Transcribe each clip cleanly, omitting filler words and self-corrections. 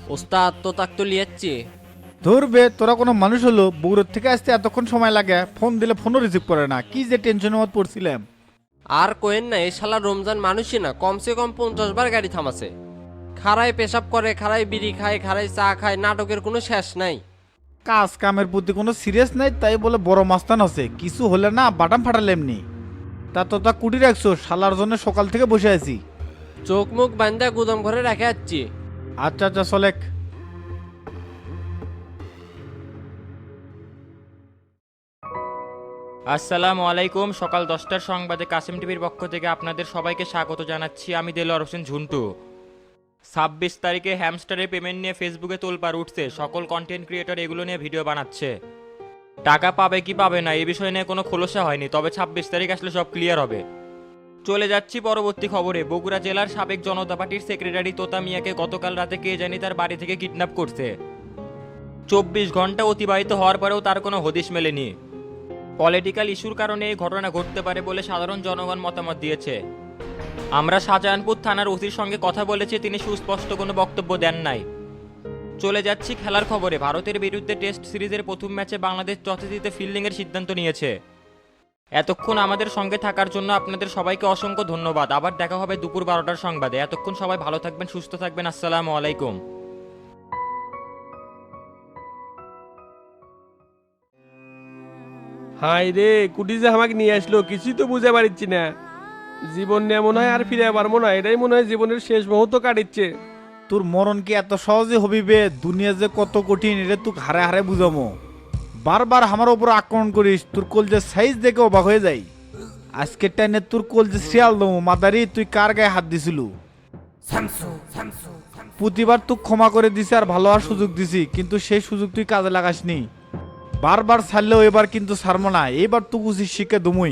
ওস্তাদ তো তাক তো লিয়াচ্ছি। ধরবে তোরা কোনো মানুষ হলো বগুড়ার থেকে আসতে এতক্ষণ সময় লাগে, ফোন দিলে ফোনও রিসিভ করে না, কি যে টেনশনের মত পড়ছিলাম। আর কোয়েন না, এই শালা রমজান মানুষই না, কমসে কম 50 বার গাড়ি থামাছে। খাড়ায় পেশাব করে, খাড়ায় বিড়ি খায়, খাড়ায় চা খায়, নাটকের কোনো শেষ নাই। কাজ কামের প্রতি কোনো সিরিয়াস নাই, তাই বলে বড় মাস্তান আছে, কিছু হলে না বাটাম ফাটালে এমনি। তা কুটি রাখছো, শালার জন্য সকাল থেকে বসে আছি। চোখ মুখ বান্ধা গুদাম ঘরে রেখে যাচ্ছি। আচ্ছা আচ্ছা চলেক। আসসালামু আলাইকুম। সকাল 10টার সংবাদে কাসিম টিভির পক্ষ থেকে আপনাদের সবাইকে স্বাগত জানাচ্ছি। আমি দেলোয়ার হোসেন ঝুন্টু। 26 তারিখে হ্যামস্টারের পেমেন্ট নিয়ে ফেসবুকে তোলপাড় উঠছে, সকল কন্টেন্ট ক্রিয়েটর এগুলো নিয়ে ভিডিও বানাচ্ছে। টাকা পাবে কি পাবে না এই বিষয় নিয়ে কোনো খোলসা হয়নি, তবে 26 তারিখ আসলে সব ক্লিয়ার হবে। চলে যাচ্ছি পরবর্তী খবরে। বগুড়া জেলার সাবেক জনতা পার্টির সেক্রেটারি তোতা মিয়াকে গতকাল রাতে কে জানি তার বাড়ি থেকে কিডন্যাপ করছে। 24 ঘন্টা অতিবাহিত হওয়ার পরেও তার কোনো হদিশ মেলেনি। পলিটিক্যাল ইস্যুর কারণে এই ঘটনা ঘটতে পারে বলে সাধারণ জনগণ মতামত দিয়েছে। আমরা শাহজাহানপুর থানার ওসির সঙ্গে কথা বলেছি, তিনি সুস্পষ্ট কোনো বক্তব্য দেন নাই। চলে যাচ্ছি খেলার খবরে। ভারতের বিরুদ্ধে টেস্ট সিরিজের প্রথম ম্যাচে বাংলাদেশ টসে জিতে ফিল্ডিংয়ের সিদ্ধান্ত নিয়েছে। এতক্ষণ আমাদের সঙ্গে থাকার জন্য আপনাদের সবাইকে অসংখ্য ধন্যবাদ। আবার দেখা হবে দুপুর 12টার সংবাদে। এতক্ষণ সবাই ভালো থাকবেন, সুস্থ থাকবেন। আসসালামু আলাইকুম। হাই রে, কুটি যে আমাকে নিয়ে আসলো কিছুই তো বুঝে পারছি না। জীবন নিয়ে মনে হয় আর ফিরে পারবো না, এটাই মনে হয় জীবনের শেষ মুহূর্ত কাটিচ্ছে। তোর মরণ কি এত সহজে হবি বে? দুনিয়া যে কত কঠিন এটা তুই হারে হারে বুঝামো। বারবার আমার ওপর আক্রমণ করিস, তোর কোল যে সাইজ দেখে অবাক হয়ে যাই। আজকের টাইনে তোর কোল যে শিয়াল দমো মাদারি, তুই কার গায়ে হাত দিছিল? প্রতিবার তুই ক্ষমা করে দিছি আর ভালো হওয়ার সুযোগ দিছি, কিন্তু সেই সুযোগ তুই কাজে লাগাসনি। বারবার ছাড়লেও এবার কিন্তু ছাড়বো না, এবার তুই উচিত শিখে দমুই।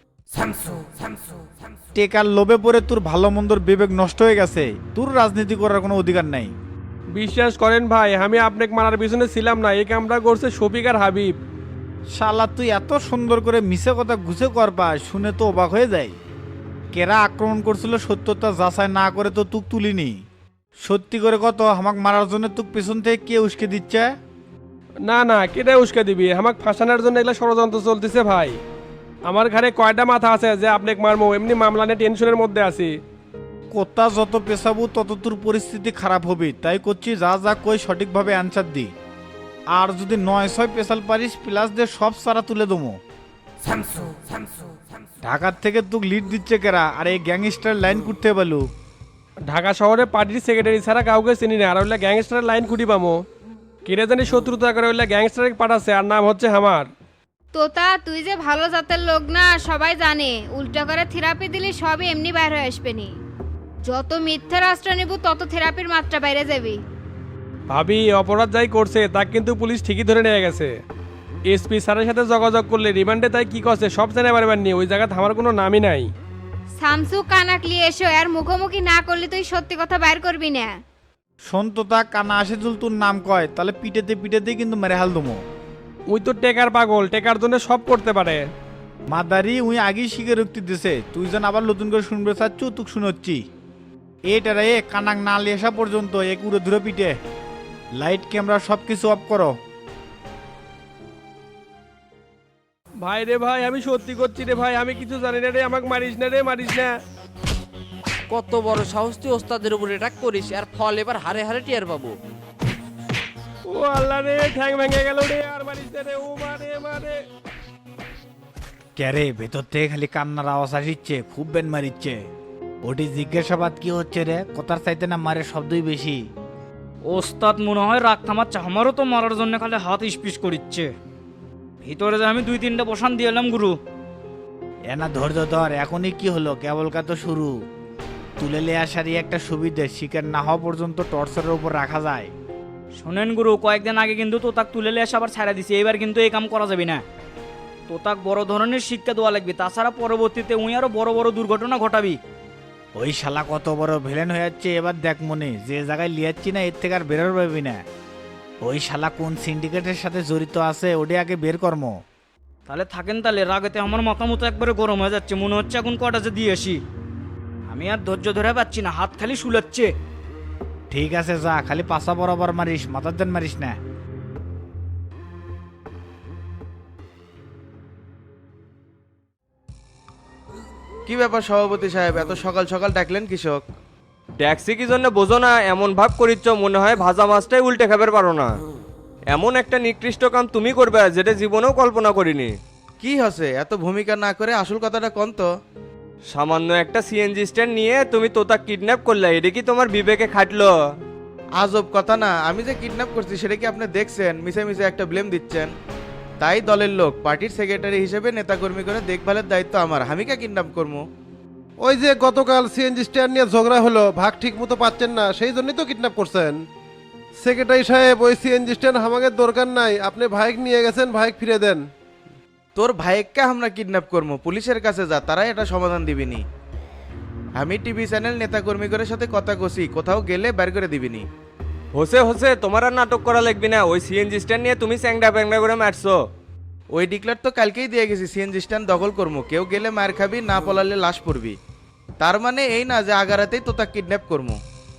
টেকার লোভে পড়ে তোর ভালো মন্দর বিবেক নষ্ট হয়ে গেছে, তোর রাজনীতি করার কোনো অধিকার নাই। বিশ্বাস করেন ভাই, আমি আপনাকে মারার পিছনে ছিলাম না, এই কামটা করছে শফিক আর হাবিব। শালা তুই এত সুন্দর করে মিছে কথা গুছে করবা, শুনে তো অবাক হয়ে যায়। কেরা আক্রমণ করছিল সত্যতা যাচাই না করে তো তুক তুলিনি। সত্যি করে কত, আমাক মারার জন্য তুক পেছন থেকে কে উস্কে দিচ্ছে? না না, কেটে উস্কে দিবি? আমাকে ফাঁসানোর জন্য এগুলো ষড়যন্ত্র চলতেছে ভাই। আমার ঘরে কয়টা মাথা আছে যে আপনাকে মারবো, এমনি মামলা নিয়ে টেনশনের মধ্যে আছি। কোথা যত পেছাবো তত তোর পরিস্থিতি খারাপ হবে, তাই করছি যা যা কই সঠিকভাবে অ্যান্সার দি। আর যদি 9-6 পেশাল পারিস প্লাস দিয়ে সব সারা তুলে দমো। ঢাকার থেকে তুক লিড দিচ্ছে কেরা, আর এই গ্যাংস্টার লাইন করতে পারলু? ঢাকা শহরে পার্টির সেক্রেটারি ছাড়া কাউকে চিনি না, আর ওইলা গ্যাংস্টারের লাইন খুঁটি পামো। কেটে জানি শত্রুতা করে ওইলা গ্যাংস্টারে পাঠাচ্ছে, আর নাম হচ্ছে আমার। তোতা তুই যে ভালো জাতের লোক না সবাই জানে, উল্টা করে থেরাপি দিলে সবই এমনি বাইরে হয়ে আসবে নি। যত মিথ্যা রাষ্ট্র নিব তত থেরাপির মাত্রা বাইরে যাবি। ভাবি অপরাধ যাই করছে তা কিন্তু পুলিশ ঠিকই ধরে নিয়ে গেছে। এসপি স্যারের সাথে যোগাযোগ করলে রিমান্ডে তাই কি করছে সব জেনে পারবেন নি, ওই জায়গা থামার কোনো নামই নাই। সামসু কানাকলি এসো, আর মুখোমুখি না করলে তুই সত্যি কথা বাইর করবি না। সন্ততা কানা আসিদুল তোর নাম কয়, তাহলে পিটেতে পিটেতে কিন্তু মেরে হাল দমো। ওই তো টেকার পাগল, টেকার জন্য সব করতে পারে। মাদারি উই আগেই স্বীকারোক্তি দিছে, তুই যেন আবার নতুন করে শুনবে চাচ্ছু তুক শুনোচ্ছি। এটারা এ কানাক না লিয়ে আসা পর্যন্ত এক উড়ে ধরে পিটে। লাইট ক্যামেরা সব কিছু অফ করো। ভাই রে ভাই, আমি সত্যি করছি রে ভাই, আমি কিছু জানি না রে, আমাকে মারিস না রে, মারিস না। কত বড় সাহস তুই ওস্তাদের উপর অ্যাটাক করিস, আর ফল এবার হারে হারে টিয়ার পাবো। ও আল্লাহ রে, ঠ্যাং ভেঙে গেল রে, আর মারিস না রে, ও মারে মারে। ক্যারে ভেতর থেকে খালি কান্নার আওয়াজ আসিচ্ছে, খুব বেন মারিচ্ছে। ওটি জিজ্ঞাসাবাদ কি হচ্ছে রে? কথার চাইতে না মারে শব্দই বেশি। ওস্তাদ মনে হয় রাগ থামাচ্ছে, আমারও তো মারার জন্য খালি হাত ইস্পিস করিচ্ছে। ভিতরে যে আমি 2-3টা বসান দিয়ে এলাম গুরু। এনা ধৈর্য ধর, এখনই কি হলো, কেবল কা তো শুরু। তুলে লে আসারই একটা সুবিধে, শিকার না হওয়া পর্যন্ত টর্চারের উপর রাখা যায়। শোনেন গুরু, কয়েকদিন আগে কিন্তু তোতাক তুলে নিয়ে এসে আবার ছাড়া দিছি, এবার কিন্তু এই কাম করা যাবে না। তোতাক বড় ধরনের শিক্ষা দেওয়া লাগবে, তাছাড়া পরবর্তীতে উই আরো বড় বড় দুর্ঘটনা ঘটাবি। ওই শালা কত বড় ভিলেন হয়ে যাচ্ছে, এবার দেখ মনে যে জায়গায় লিয়াচ্ছি না এর থেকে আর বেরোর পাবি না। ওই শালা কোন সিন্ডিকেটের সাথে জড়িত আছে ওটি আগে বের কর্ম। তাহলে থাকেন, তাহলে রাগেতে আমার মতামত একবারে গরম হয়ে যাচ্ছে, মনে হচ্ছে এখন কটা যে দিয়ে আসি। আমি আর ধৈর্য ধরে পাচ্ছি না, হাত খালি শুলাচ্ছে। ঠিক আছে যা, খালি পাশা বরাবর মারিস, মাথার দেন মারিস না। কি ব্যাপার সভাপতি সাহেব, এত সকাল সকাল ডাকলেন কৃষক? ট্যাক্সি কি জন্য বোঝো না? এমন ভাব করিচ্ছ মনে হয় ভাজা মাছটাই উল্টে খাবার পারো না। এমন একটা নিকৃষ্ট কাম তুমি করবে যেটা জীবনেও কল্পনা করিনি। কি হচ্ছে, এত ভূমিকা না করে আসল কথাটা কোন তো? সামান্য একটা সিএনজি স্ট্যান্ড নিয়ে তুমি তোতা কিডন্যাপ করলে, এটা কি তোমার বিবেকে খাটলো? আজব কথা না, আমি যে কিডন্যাপ করছি সেটা কি আপনি দেখছেন? মিশে মিশে একটা ব্লেম দিচ্ছেন। তাই দলের লোক, পার্টির সেক্রেটারি হিসেবে নেতাকর্মী করে দেখভালের দায়িত্ব আমার, আমি কে কিডন্যাপ করবো? ওই যে গতকাল সিএনজি স্ট্যান্ড নিয়ে ঝগড়া হলো, ভাগ ঠিক মতো পাচ্ছেন না, সেই জন্যই তো কিডন্যাপ করছেন। সেক্রেটারি সাহেব, ওই সিএনজি স্ট্যান্ড আমাদের দরকার নাই, আপনি ভাইক নিয়ে গেছেন, ভাইক ফিরে দেন। তোর ভাইকে আমরা কিডন্যাপ করবো, পুলিশের কাছে যা, তারা এটা সমাধান দিবিনি। আমি টিভি চ্যানেল নেতাকর্মী করে সাথে কথা কষি, কোথাও গেলে বের করে দিবিনি। হোসে তোমার আর নাটক করা লাগবে না। ওই সিএনজি স্ট্যান্ড নিয়ে তুমি চ্যাংড়া প্যাংড়া করে মারছো। ওই ডিক্লার তো কালকেই দিয়ে গেছি, সিএনজি স্ট্যান্ড দখল করবো, কেউ গেলে মার খাবি, না পলালে লাশ পড়বি। তার মানে এই না যে আগারাতেই তো তা কিডন্যাপ করবো।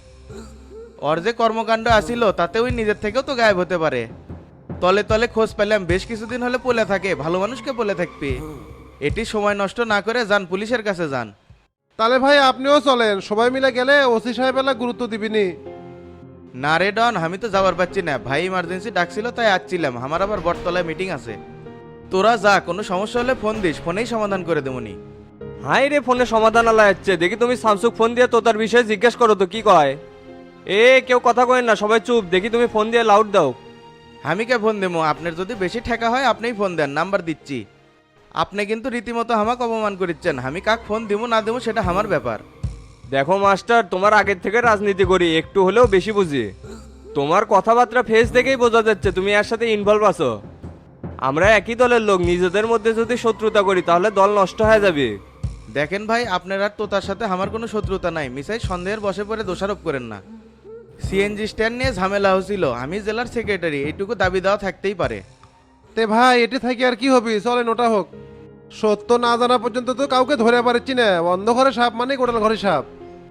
ওর যে কর্মকাণ্ড আসিল তাতে ওই নিজের থেকেও তো গায়েব হতে পারে। তলে তলে খোঁজ পেলাম, বেশ কিছুদিন হলে পলে থাকে, ভালো মানুষকে পলে থাকবি। এটি সময় নষ্ট না করে যান, পুলিশের কাছে যান। তাহলে ভাই আপনিও চলেন, সবাই মিলে গেলে ওসি সাহেব এলা গুরুত্ব দিবিনি। না রে ডন, আমি তো যাবার পাচ্ছি না, ভাই ইমার্জেন্সি ডাকছিল তাই আসছিলাম, আমার আবার বটতলায় মিটিং আছে। তোরা যা, কোনো সমস্যা হলে ফোন দিস, ফোনেই সমাধান করে দেবনি। হাই রে, ফোনে সমাধান আলা যাচ্ছে দেখি। তুমি স্যামসুং ফোন দিয়ে তোতার বিষয়ে জিজ্ঞেস করো তো কি কয়। কেউ কথা কয় না, সবাই চুপ। দেখি তুমি ফোন দিয়ে লাউড দাও। আমি কে ফোন দেবো? আপনার যদি বেশি ঠেকা হয় আপনিই ফোন দেন, নাম্বার দিচ্ছি। আপনি কিন্তু রীতিমতো আমাকে অপমান করিচ্ছেন, আমি কাক ফোন দেবো না দেবো সেটা আমার ব্যাপার। দেখো মাস্টার, তোমার আগের থেকে রাজনীতি করি, একটু হলেও বেশি বুঝি। তোমার কথাবার্তা ফেস দেখেই বোঝা যাচ্ছে তুমি এর সাথে ইনভলভ আছো। আমরা একই দলের লোক, নিজেদের মধ্যে যদি শত্রুতা করি তাহলে দল নষ্ট হয়ে যাবে। দেখেন ভাই, আপনার আর তো তার সাথে আমার কোনো শত্রুতা নাই, মিসাই সন্দেহের বসে পড়ে দোষারোপ করেন না। সিএনজি স্ট্যান্ড নিয়ে ঝামেলা হয়েছিল, আমি জেলার সেক্রেটারি, এইটুকু দাবি দেওয়া থাকতেই পারে। তে ভাই এটি থাকি আর কি হবি, চলেন ওটা হোক। সত্য না জানা পর্যন্ত তো কাউকে ধরে পারছি না, বন্ধ ঘরে সাপ মানে গোটাল ঘরে সাপ।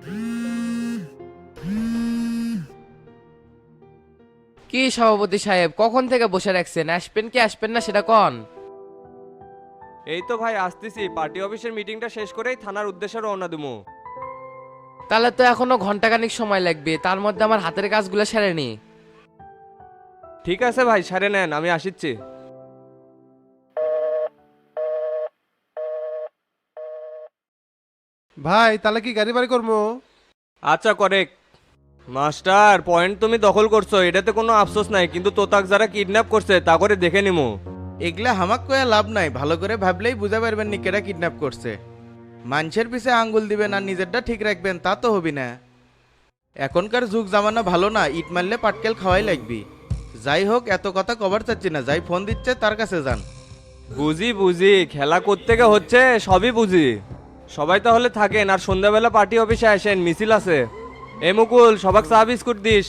কি সভাপতি সাহেব, কখন থেকে বসে রাখছেন? আসবেন কি আসবেন না সেটা কন। এই তো ভাই আসতেছি, পার্টি অফিসের মিটিংটা শেষ করেই থানার উদ্দেশ্যে রওনা দেবো। তাহলে তো এখনো ঘন্টাখানিক সময় লাগবে, তার মধ্যে আমার হাতের কাজগুলো সেরেনি। ঠিক আছে ভাই, সারে নেন, আমি আসিচ্ছি। ভাই তাহলে কি গাড়ি বাড়ি করবো? আচ্ছা করেক্ট। মাস্টার, পয়েন্ট তুমি দখল করছো, এটাতে কোনো আফসোস নাই, কিন্তু তোতাক যারা কিডন্যাপ করছে তা করে দেখে নিমো। এগুলা হামাক কয়া লাভ নাই, ভালো করে ভাবলেই বুঝা পারবেন নি কেটা কিডন্যাপ করছে। মানুষের পিছে আঙ্গুল দিবেন আর নিজেরটা ঠিক রাখবেন, তা তো হবি না। এখনকার যুগ জামানা ভালো না, ইট মারলে পাটকেল খাওয়াই লাগবি। যাই হোক, এত কথা কভার চাচ্ছি না, যাই ফোন দিচ্ছে তার কাছে যান। বুঝি, খেলা কোত্থেকে হচ্ছে সবই বুঝি। সবাই তাহলে থাকেন, আর সন্ধ্যাবেলা পার্টি অফিসে আসেন, মিছিল আছে। মুকুল, সবাক চা বিস্কুট দিস।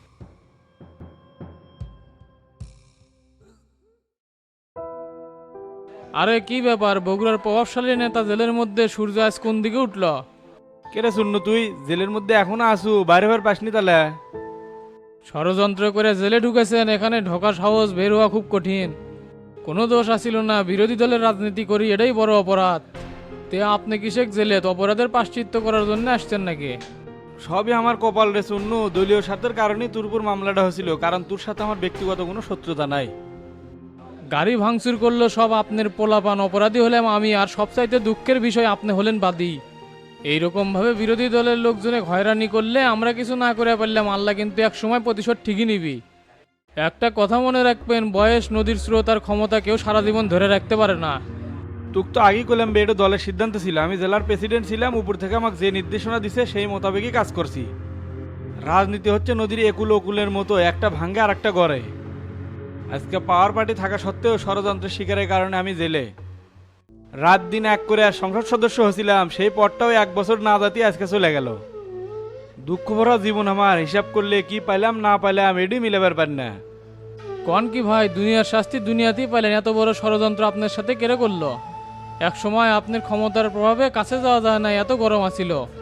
আরে কি ব্যাপার, বগুড়ার প্রভাবশালী নেতা জেলের মধ্যে, সূর্য আজ কোন দিকে উঠল? কেরে শুনু, তুই জেলের মধ্যে এখনো আসু, বাইরে বের পাসনি তাহলে? ষড়যন্ত্র করে জেলে ঢুকেছেন, এখানে ঢোকা সাহস, বের হওয়া খুব কঠিন। কোনো দোষ আসিল না, বিরোধী দলের রাজনীতি করি, এটাই বড় অপরাধ। তে আপনি কিসেক জেলে অপরাধের প্রায়শ্চিত্ত করার জন্য আসছেন নাকি? সবই আমার কপাল রে শুনু, দলীয় স্বার্থের কারণেই তোর উপর মামলাটা হয়েছিল, কারণ তোর সাথে আমার ব্যক্তিগত কোনো শত্রুতা নাই। গাড়ি ভাঙচুর করলো সব আপনার পোলাপান, অপরাধী হলাম আমি, আর সবচাইতে দুঃখের বিষয় আপনি হলেন বাদী। এইরকম ভাবে বিরোধী দলের লোকজনে হয়রানি করলে আমরা কিছু না করে পারলাম, আল্লাহ কিন্তু এক সময় প্রতিশোধ ঠিকই নিবি। একটা কথা মনে রাখবেন, বয়স নদীর স্রোত, আর ক্ষমতা কেউ সারা জীবন ধরে রাখতে পারে না। তুক তো আগেই করলাম বে, এটা দলের সিদ্ধান্ত ছিল, আমি জেলার প্রেসিডেন্ট ছিলাম, উপর থেকে আমাকে যে নির্দেশনা দিছে সেই মোতাবেকই কাজ করছি। রাজনীতি হচ্ছে নদীর একুল ওকুলের মতো, একটা ভাঙ্গে আর একটা গড়ে। আজকে পাওয়ার পার্টি থাকা সত্ত্বেও ষড়যন্ত্রের শিকারের কারণে আমি জেলে রাত দিন এক করে আর সংসদ সদস্য হয়েছিলাম, সেই পদটাও 1 বছর না জাতি আজকে চলে গেল। দুঃখ ভরা জীবন আমার, হিসাব করলে কি পাইলাম না পাইলাম এডি মিলাবার পার না। কন কি ভাই, দুনিয়ার শাস্তি দুনিয়াতেই পাইলেন, এত বড় ষড়যন্ত্র আপনার সাথে কেড়ে করলো? এক সময় আপনার ক্ষমতার প্রভাবে কাছে যাওয়া যায় না, এত গরম আছিল।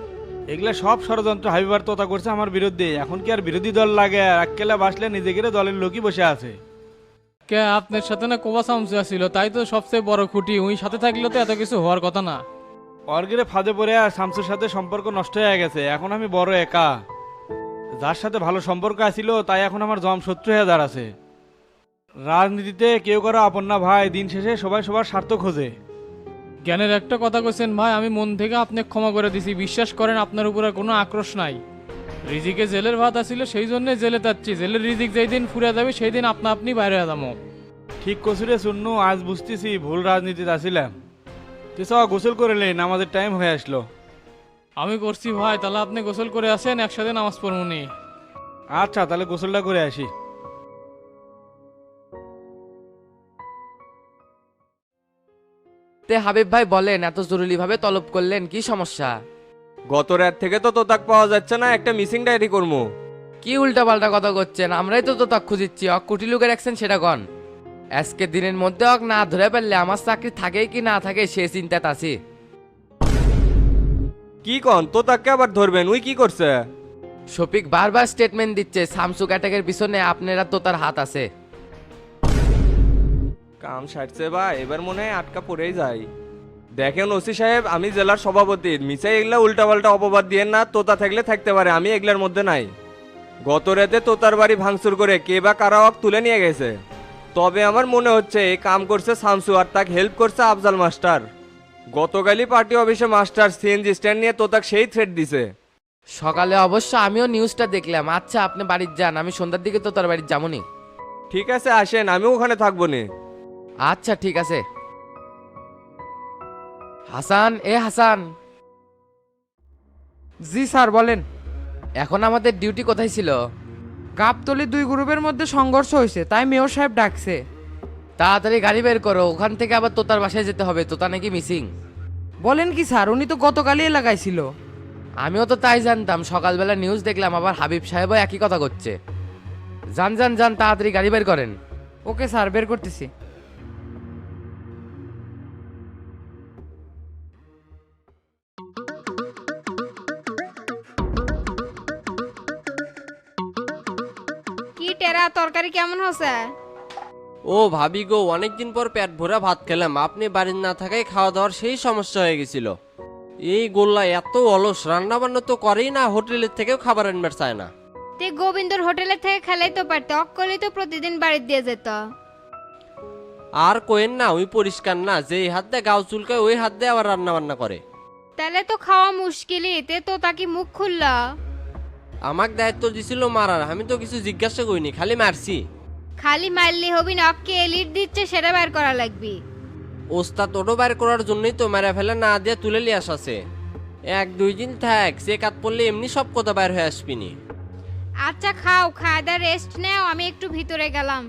এগুলা সব ষড়যন্ত্র হাবিবার তোতা করছে আমার বিরুদ্ধে। এখন কি আর বিরোধী দল লাগে? এককেলা বাসলে নিজেকে দলের লোকই বসে আছে। কে আপনার সাথে না কোবা সামসা ছিল, তাই তো সবচেয়ে বড় খুঁটি। ওই সাথে থাকলে তো এত কিছু হওয়ার কথা না। অর্গেরে ফাঁদে পড়ে আর শামসুর সাথে সম্পর্ক নষ্ট হয়ে গেছে। এখন আমি বড় একা। যার সাথে ভালো সম্পর্ক আছিল তাই এখন আমার জম শত্রু হয়ে দাঁড়াছে। রাজনীতিতে কেউ কারো আপন না ভাই, দিন শেষে সবাই সবার স্বার্থ খোঁজে। জ্ঞানের একটা কথা কইছেন ভাই, আমি মন থেকে আপনাকে ক্ষমা করে দিছি। বিশ্বাস করেন আপনার উপরে কোনো আক্রোশ নাই। রিজিকে জেলের ভাত আসছিল, সেই জন্য জেলে যাচ্ছি। জেলের রিজিক যেই দিন ফুরে যাবে সেই দিন আপনা আপনি বাইরে যাবো। ঠিক কসুরে শুননু, আজ বুঝতেছি ভুল রাজনীতিতে আসিলাম। তুই চ গোসল করে লে, নামাজের টাইম হয়ে আসলো। আমি করছি ভাই, তাহলে আপনি গোসল করে আসেন, একসাথে নামাজ পড়মুনি। আচ্ছা তাহলে গোসলটা করে আসি। তে হাবিব ভাই বলেন, এত জরুরি ভাবে তলব করলেন, কি সমস্যা? গত রাত থেকে তো তোতাক পাওয়া যাচ্ছে না, একটা মিসিং ডায়েরি করবো। কি উল্টা পাল্টা কথা করছেন? আমরাই তো তাক খুঁজিচ্ছি। অক কুটি লুকে রাখছেন সেটা কন। আজকে দিনের মধ্যে অক না ধরে পারলে আমার চাকরি থাকে কি না থাকে সে চিন্তাত আছি। কি কন, তোতাককে আবার ধরবেন? উই কি করছে? শফিক বারবার স্টেটমেন্ট দিচ্ছে সামসুক অ্যাটাকের পিছনে আপনারা তো তার হাত আছে। কাম সারছে বা এবার মনে হয় আটকা পড়েই যায়। দেখেন ওসি সাহেব, আমি জেলার সভাপতি, মিসাই এগুলা উল্টাপাল্টা অপবাদ দিয়ে না। তোতা থাকলে থাকতে পারে, আমি এগুলার মধ্যে নাই। গত রাতে তোতার বাড়ি ভাঙচুর করে কে বা কারা ওকে তুলে নিয়ে গেছে। তবে আমার মনে হচ্ছে এই কাম করছে শামসু, আর তাকে হেল্প করছে আফজাল মাস্টার। গতকালই পার্টি অফিসে মাস্টার সিএনজি স্ট্যান্ড নিয়ে তোতাক সেই থ্রেট দিছে। সকালে অবশ্য আমিও নিউজটা দেখলাম। আচ্ছা আপনি বাড়ির যান, আমি সন্ধ্যার দিকে তো তার বাড়ির যাবনি। ঠিক আছে আসেন, আমিও ওখানে থাকবো নি। আচ্ছা ঠিক আছে। হাসান, এ হাসান। জি স্যার বলেন। এখন আমাদের ডিউটি কোথায় ছিল? গাবতলি দুই গ্রুপের মধ্যে সংঘর্ষ হয়েছে, তাই মেয়র সাহেব ডাকছে। তাড়াতাড়ি গাড়ি বের করো, ওখান থেকে আবার তোতার বাসায় যেতে হবে। তোতা নাকি মিসিং। বলেন কি স্যার? উনি তো গতকালই এলাকায় ছিল। আমিও তো তাই জানতাম, সকালবেলা নিউজ দেখলাম। আবার হাবিব সাহেবও একই কথা করছে। যান যান যান, তাড়াতাড়ি গাড়ি বের করেন। ওকে স্যার, বের করতেছি। কি টেরা, তরকারি কেমন হচ্ছে? ও ভাবি গো, অনেকদিন পর পেট ভরে ভাত খেলাম। আপনি বাড়ির না থাকায় খাওয়া দাওয়ার সেই সমস্যা হয়ে গেছিল। এই গোল্লা এত অলস, রান্না বান্না তো করেই না, হোটেলের থেকেও খাবার আনবার চায় না। তে গোবিন্দর হোটেলের থেকে খেলাই তো পারতে, অক্কলেই তো প্রতিদিন বাড়ি দিয়ে যেত। আর কোয়েন না, ওই পরিষ্কার না, যে হাত দিয়ে গাও চুলকায় ওই হাত দিয়ে আবার রান্না বান্না করে। তাহলে তো খাওয়া মুশকিলই। তে তো তাকে মুখ খুললা। আমাকে দায়িত্ব দিছিল মারার, আমি তো কিছু জিজ্ঞাসা করিনি, খালি মারছি। খালি মারলি হবি না, অক্কে এলিট দিচ্ছে সেটা বের করা লাগবি। ওস্তাদ ওটো বাইর করার জন্যই তো মেরা ফেলে না দিয়ে তুলে নিয়ে আসাছে। 1-2 দিন থাক, সে কাত পড়লে এমনি সব কথা বাইর হয়ে আসবিনি। আচ্ছা খাও, খাওয়া দাওয়া রেস্ট নেও, আমি একটু ভিতরে গেলাম।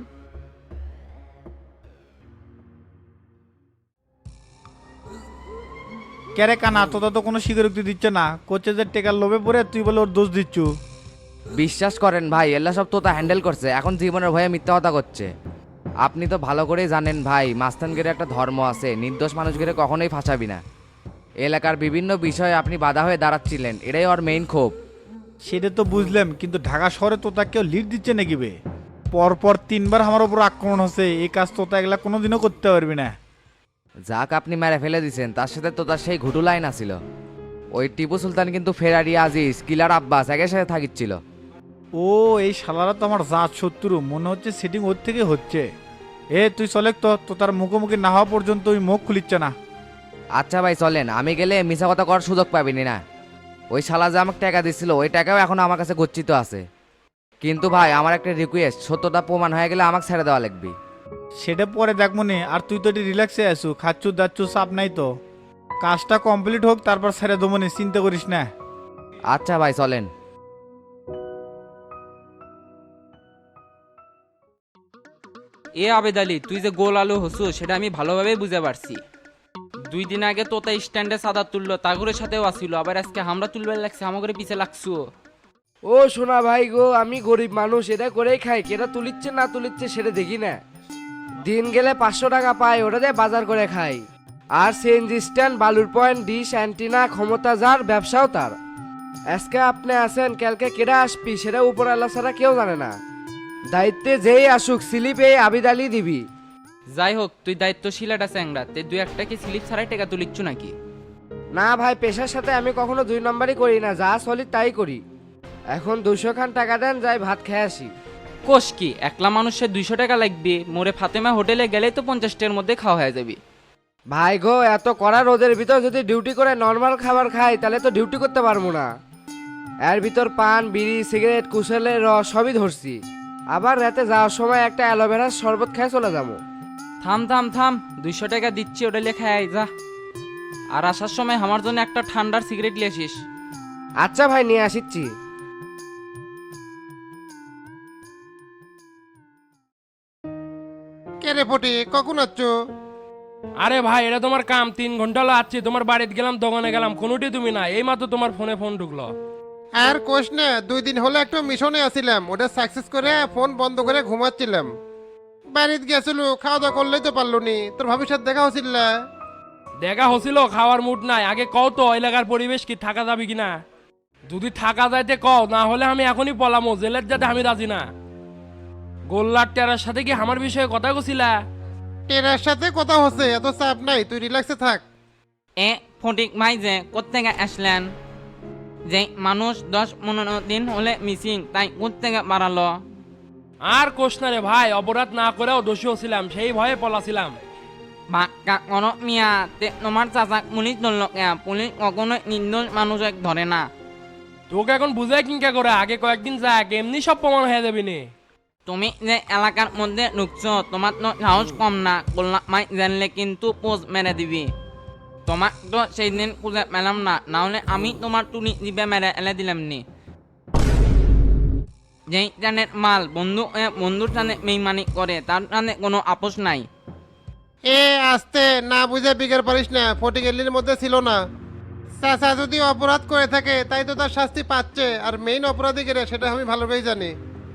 কেরে কানা, তোতা তো কোনো স্বীকারোক্তি দিচ্ছে না, কোচে যে টেকার লোভে পড়ে তুই বলে ওর দোষ দিচ্ছু। বিশ্বাস করেন ভাই, এলা সব তোতা হ্যান্ডেল করছে। এখন জীবনের ভয়ে মিথ্যা কথা করছে। আপনি তো ভালো করেই জানেন ভাই, মাস্তানগিরে একটা ধর্ম আছে, নির্দোষ মানুষগিরে কখনোই ফাঁসাবি না। এলাকার বিভিন্ন বিষয়ে আপনি বাধা হয়ে দাঁড়াচ্ছিলেন, এটাই ওর মেইন ক্ষোভ। সেটা তো বুঝলাম, কিন্তু ঢাকা শহরে তোতা কেউ লিড দিচ্ছে নাকি বে? পরপর 3বার আমার উপর আক্রমণ হচ্ছে, এই কাজ তোতা এগুলা কোনোদিনও করতে পারবি না। যাক আপনি মেরে ফেলে দিয়েছেন, তার সাথে তো তার সেই ঘুটু লাইন আছিল। ওই টিপু সুলতান কিন্তু ফেরারি আজিজ কিলার আব্বাস একের সাথে থাকিচ্ছিল। ও এই শালারা তো আমার জাত শত্রু, মনে হচ্ছে সেটিং ওর থেকে হচ্ছে। এ তুই চলে তো তার মুখোমুখি না হওয়া পর্যন্ত ওই মুখ খুলিচ্ছে না। আচ্ছা ভাই চলেন, আমি গেলে মিছা কথা করার সুযোগ পাবিনি না। ওই শালা যে আমাকে টাকা দিছিল, ওই টাকাও এখন আমার কাছে গচ্ছিত আছে। কিন্তু ভাই আমার একটা রিকোয়েস্ট, সত্যতা প্রমাণ হয়ে গেলে আমাকে ছেড়ে দেওয়া লাগবে। সেটা পরে দেখ মনে, আর তুই তো এটি রিল্যাক্সে আসু, খাচ্ছু দাচ্ছু, চাপ নাই তো। কাজটা কমপ্লিট হোক, তারপর ছেড়ে দেবো নি, চিন্তা করিস না। আচ্ছা ভাই চলেন। এ আবেদ আলী, তুই যে গোল আলু হসু সেটা আমি ভালোভাবে বুঝে পারছি। 2 দিন আগে তোতা স্ট্যান্ডে সাদা তুললো, তাগুরের সাথেও আসিল, আবার আজকে হামরা তুলবার লাগছে, আমাকে পিছে লাগছো। ও সোনা ভাই গো, আমি গরিব মানুষ, এটা করেই খাই। কেটা তুলিচ্ছে না তুলিচ্ছে সেটা দেখি না। দিন গেলে 500 টাকা পাই, ওটা দিয়ে বাজার করে খাই। আর সিএনজি স্ট্যান্ড, বালুর পয়েন্ট, ডিশ, অ্যান্টিনা, ক্ষমতা যার, ব্যবসাও তার। আজকে আপনি আছেন কালকে কেডা আসবি সেটা উপর আল্লাহ ছাড়া কেউ জানে না। দায়িত্বে যেই আসুক স্লিপ এই আবিদ আলী দিবি। যাই হোক, তুই দায়িত্বশীল একটা চ্যাংরা, তে দুই একটা কি স্লিপ ছাড়াই টাকা তুলিচ্ছু নাকি? না ভাই, পেশার সাথে আমি কখনো দুই নম্বরই করি না, যা চলি তাই করি। এখন 200 খান টাকা দেন, যাই ভাত খেয়ে আসি। কোষ কি, একলা মানুষের 200 টাকা লাগবে? মোরে ফাতেমা হোটেলে গেলেই তো 50 টাকার মধ্যে খাওয়া হয়ে যাবে। ভাই গো, এত কড়া রোদের ভিতর যদি ডিউটি করে নর্মাল খাবার খাই তাহলে তো ডিউটি করতে পারবো না। এর ভিতর পান, বিড়ি, সিগারেট, কুশলের রস সবই ধরছি। আবার রাতে যাওয়ার সময় একটা অ্যালোভেরার শরবত খেয়ে চলে যাবো। থাম থাম থাম, 200 টাকা দিচ্ছি, ওটা লেখা আয় যা। আর আসার সময় আমার জন্য একটা ঠান্ডার সিগারেট নিয়ে আসিস। আচ্ছা ভাই, নিয়ে আসিচ্ছি। কে রে ফটি, কখন আচ্ছ? আরে ভাই, এটা তোমার কাম, 3 ঘন্টা হলো আসছি, তোমার বাড়িতে গেলাম, দোকানে গেলাম, কোনোটি তুমি না, এই মাত্র তোমার ফোনে ফোন ঢুকলো। আর কোষ না, 2 দিন হলো একটা মিশনে আছিলাম, ওটা সাকসেস করে ফোন বন্ধ করে ঘুমাচ্ছিলাম। বাড়িতে গেছিল, খাওয়া দাওয়া করলেই তো পারলো নি। তোর ভবিষ্যৎ দেখা হচ্ছিল? দেখা হছিল, খাওয়ার মুড নাই। আগে কও তো এলাকার পরিবেশ কি, থাকা যাবে কিনা? যদি থাকা যাইতে কও, না হলে আমি এখনই পলামো, জেলের যাতে আমি রাজি না। গোল্লার টেরার সাথে কি আমার বিষয়ে কথা কছিলা? টেরার সাথে কথা হচ্ছে, এত চাপ নাই, তুই রিল্যাক্সে থাক। এ ফটিক ভাই যে কোত্থেকে আসলেন? যে মানুষ 10-15 দিন হলে মিসিং, তাই কোত্থেকে বাড়ালো? আর কোষ না রে ভাই, অপরাধ না করেও দোষী হছিলাম, সেই ভয়ে পলাছিলাম। বাক্কা করো মিয়া, তে তোমার চাচাক পুলিশ ধরল কে? পুলিশ কখনোই নির্দোষ মানুষক ধরে না। তোকে এখন বুঝাই কিনকা করে, আগে কয়েকদিন যাক, এমনি সব প্রমাণ হয়ে যাবি নি। তুমি যে এলাকার মধ্যে ঢুকছো, তোমার তো সাহস কম না। গোল্লা মাই জানলে কিন্তু পোজ মেরে দিবি। তোমার তো সেই দিন খুঁজে পেলাম না, নাহলে আমি তোমার টুনি দিবে মেরে এলে দিলাম নি। যেই জানের মাল বন্ধুর টানে বেইমানি করে, তার টানে কোনো আপোষ নাই। এ আস্তে, না বুঝে বিগের পারিস না, ফটি গেলির মধ্যে ছিল না। চাচা যদি অপরাধ করে থাকে তাই তো তার শাস্তি পাচ্ছে, আর মেইন অপরাধী কে সেটা আমি ভালোভাবেই জানি।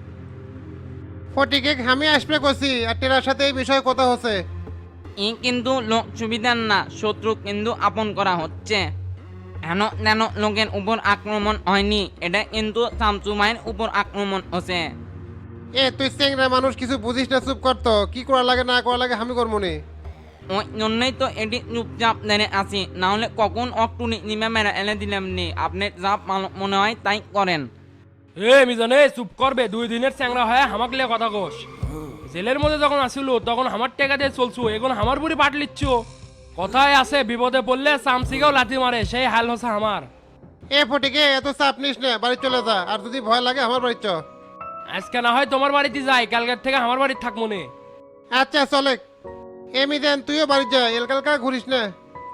ফটিকে আমি আসবে কছি, আর টেরার সাথে এই বিষয়ে কথা হচ্ছে। ই কিন্তু লোক সুবিধার না, শত্রু কিন্তু আপন করা হচ্ছে। হেন যেন লোকের উপর আক্রমণ হয়নি, এটা কিন্তু শামসুমাইয়ের উপর আক্রমণ হচ্ছে। এ তুই চেংরা মানুষ, কিছু বুঝিস না, চুপ করতো। কি করা লাগে না করা লাগে আমি করবো নি। ওই জন্যই তো এটি চুপচাপ দেনে আসি, নাহলে কখন অক্টুনি নিমে মেরে এনে দিলাম নি। আপনি যা ভালো মনে হয় তাই করেন। এ মিজান, এ চুপ করবে, 2 দিনের চ্যাংরা হয় হামাক লিয়ে কথা কোষ। জেলের মধ্যে যখন আসিল তখন আমার টাকা দিয়ে চলছু, এখন আমার বুড়ি পাট লিচ্ছ। কথায় আছে, বিপদে পড়লে চামচিকেও লাথি মারে, সেই হাল হচ্ছে আমার। এ ফটিকে এত চাপ নিস না, বাড়ি চলে যা, আর যদি ভয় লাগে আমার বাড়ি চ। আজকে না হয় তোমার বাড়িতে যাই, কালকের থেকে আমার বাড়িতে থাকবো নে। আচ্ছা চলে। এ মিজান, তুইও বাড়ি যা, এলকালকা ঘুরিস না।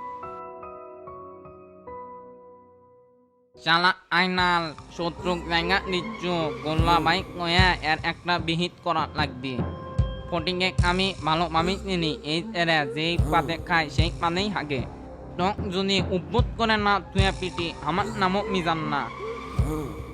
চালা আইনাল, শত্রু জায়গা নিচ্ছ, গোল্লা বাইক কয়া এর একটা বিহিত করা লাগবে। ফটিকে আমি ভালোভাবে চিনি, এই এরা যেই পাতে খায় সেই পাতেই হাগে। টক যদি উদ্ভুত করে না তুই পিটি, আমার নামও মিজান না।